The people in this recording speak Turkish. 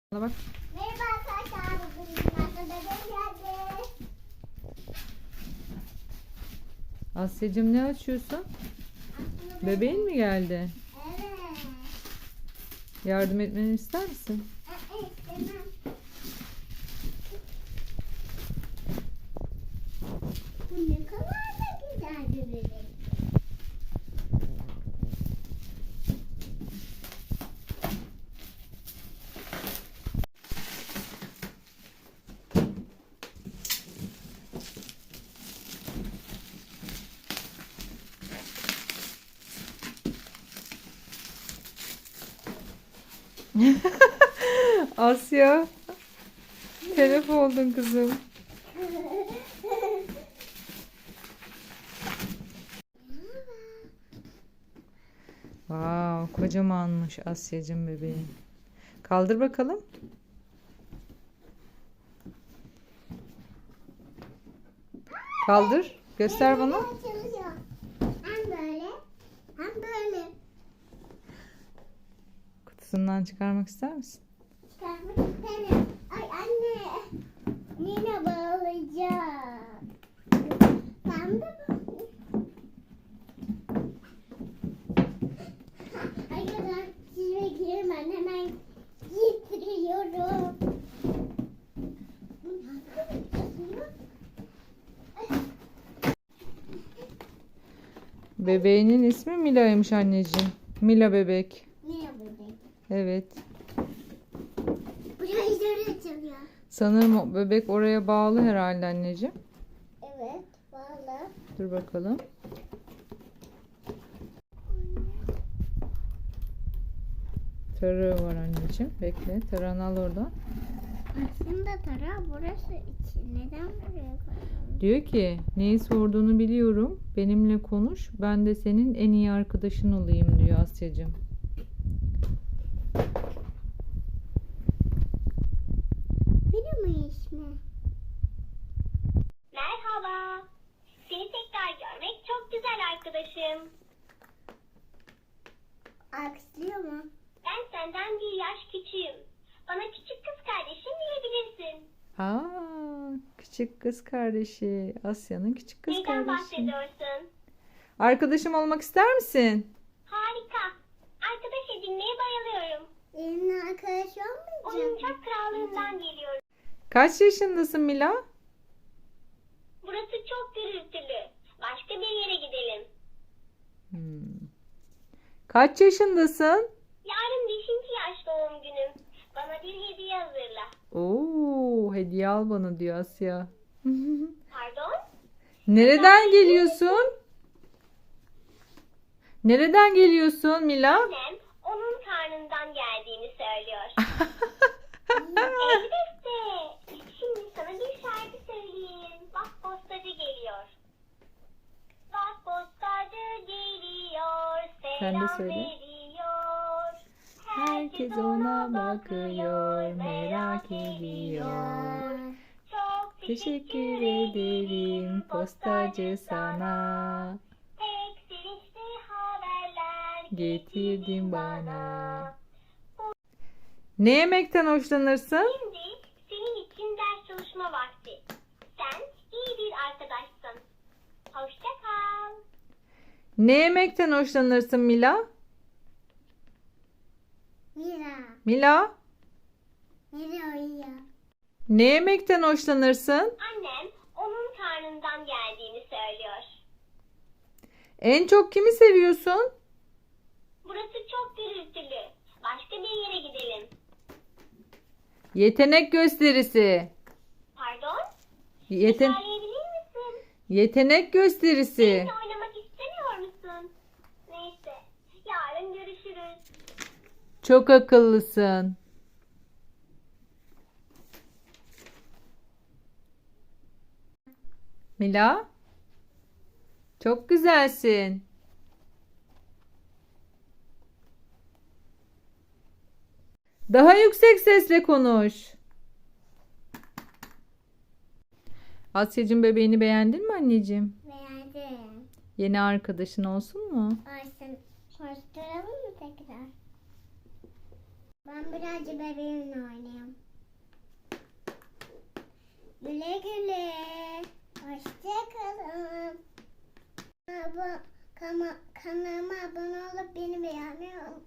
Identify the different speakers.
Speaker 1: Bana bak.
Speaker 2: Merhaba arkadaşlar. Bugün bebeğim geldi.
Speaker 1: Asya'cığım ne açıyorsun?
Speaker 2: Aslında
Speaker 1: Bebeğin mi geldi?
Speaker 2: Evet.
Speaker 1: Yardım etmeni ister misin?
Speaker 2: İstemem. Bu ne kadar da güzel bir bebek.
Speaker 1: Asya, telef oldun kızım. Wow, kocamanmış Asya'cığım bebeğin. Kaldır bakalım. Kaldır. Göster bana.
Speaker 2: Açılıyor. Hem böyle hem böyle.
Speaker 1: Kutusundan çıkarmak ister misin?
Speaker 2: Çıkarmak isterim. Ay anne. Yine bağlayacağım. Ben de ay kadar çizme girmem. Hemen getiriyorum. Bu nasıl açılıyor?
Speaker 1: Bebeğinin ismi Mila'ymış anneciğim. Mila bebek.
Speaker 2: Ne yapacak?
Speaker 1: Evet.
Speaker 2: Buraya zor açılıyor.
Speaker 1: Sanırım o bebek oraya bağlı herhalde anneciğim.
Speaker 2: Evet. Bağlı.
Speaker 1: Dur bakalım. Tarığı var anneciğim. Bekle. Tarağını al oradan.
Speaker 2: Aslında tara burası için. Neden buraya koydun?
Speaker 1: Diyor ki neyi sorduğunu biliyorum. Benimle konuş. Ben de senin en iyi arkadaşın olayım diyor Asya'cığım.
Speaker 2: Benim mi ismi?
Speaker 3: Merhaba. Seni tekrar görmek çok güzel arkadaşım.
Speaker 2: Alkışlıyor mu?
Speaker 3: Ben senden bir yaş küçüğüm. Bana küçük kız kardeşim diyebilirsin.
Speaker 1: Aa, küçük kız kardeşi. Asya'nın küçük kız
Speaker 3: Neyden
Speaker 1: kardeşi.
Speaker 3: bahsediyorsun?
Speaker 1: Arkadaşım olmak ister misin?
Speaker 3: Harika. Arkadaş edinmeye bayılıyorum.
Speaker 2: Benimle arkadaş olmayacak.
Speaker 3: Oyuncak krallığından geliyorum.
Speaker 1: Kaç yaşındasın Mila?
Speaker 3: Burası çok gürültülü. Başka bir yere gidelim.
Speaker 1: Kaç yaşındasın?
Speaker 3: Yarın 5. yaş doğum günüm. Bana bir hediye hazırla.
Speaker 1: Oo, hediye al bana diyor Asya.
Speaker 3: Pardon?
Speaker 1: Nereden geliyorsun? Nereden geliyorsun Mila?
Speaker 3: Annem onun karnından geldiğini söylüyor. Elbette. Şimdi sana bir şarkı söyleyeyim. Bak postacı geliyor. Bak postacı geliyor.
Speaker 1: Sen de
Speaker 3: Selam
Speaker 1: söyle.
Speaker 3: veriyor.
Speaker 1: Herkes ona bakıyor, merak ediyor.
Speaker 3: Çok
Speaker 1: Teşekkür ederim postacı sana.
Speaker 3: Pek sevinçli haberler
Speaker 1: Getirdin bana. Ne yemekten hoşlanırsın?
Speaker 3: Şimdi senin için ders çalışma vakti. Sen iyi bir arkadaşsın. Hoşça kal.
Speaker 1: Ne yemekten hoşlanırsın Mila?
Speaker 2: Mira.
Speaker 1: Mila,
Speaker 2: Nereye uyuyor?
Speaker 1: ne yemekten hoşlanırsın?
Speaker 3: Annem onun karnından geldiğini söylüyor.
Speaker 1: En çok kimi seviyorsun?
Speaker 3: Burası çok gürültülü. Başka bir yere gidelim.
Speaker 1: Yetenek gösterisi.
Speaker 3: Pardon?
Speaker 1: Yeten
Speaker 3: Söyleyebilir misin?
Speaker 1: yetenek gösterisi.
Speaker 3: Benimle oynamak istemiyor musun? Neyse. Yarın görüşürüz.
Speaker 1: Çok akıllısın. Mila, çok güzelsin. Daha yüksek sesle konuş. Asya'cığım bebeğini beğendin mi anneciğim?
Speaker 2: Beğendim.
Speaker 1: Yeni arkadaşın olsun mu?
Speaker 2: Ayşen, hoşturalım mı tekrar? Ben birazcık bebeğimle oynayayım. Güle güle. Hoşçakalın. Kanalıma abone olup beni beğenmeyi unutmayın.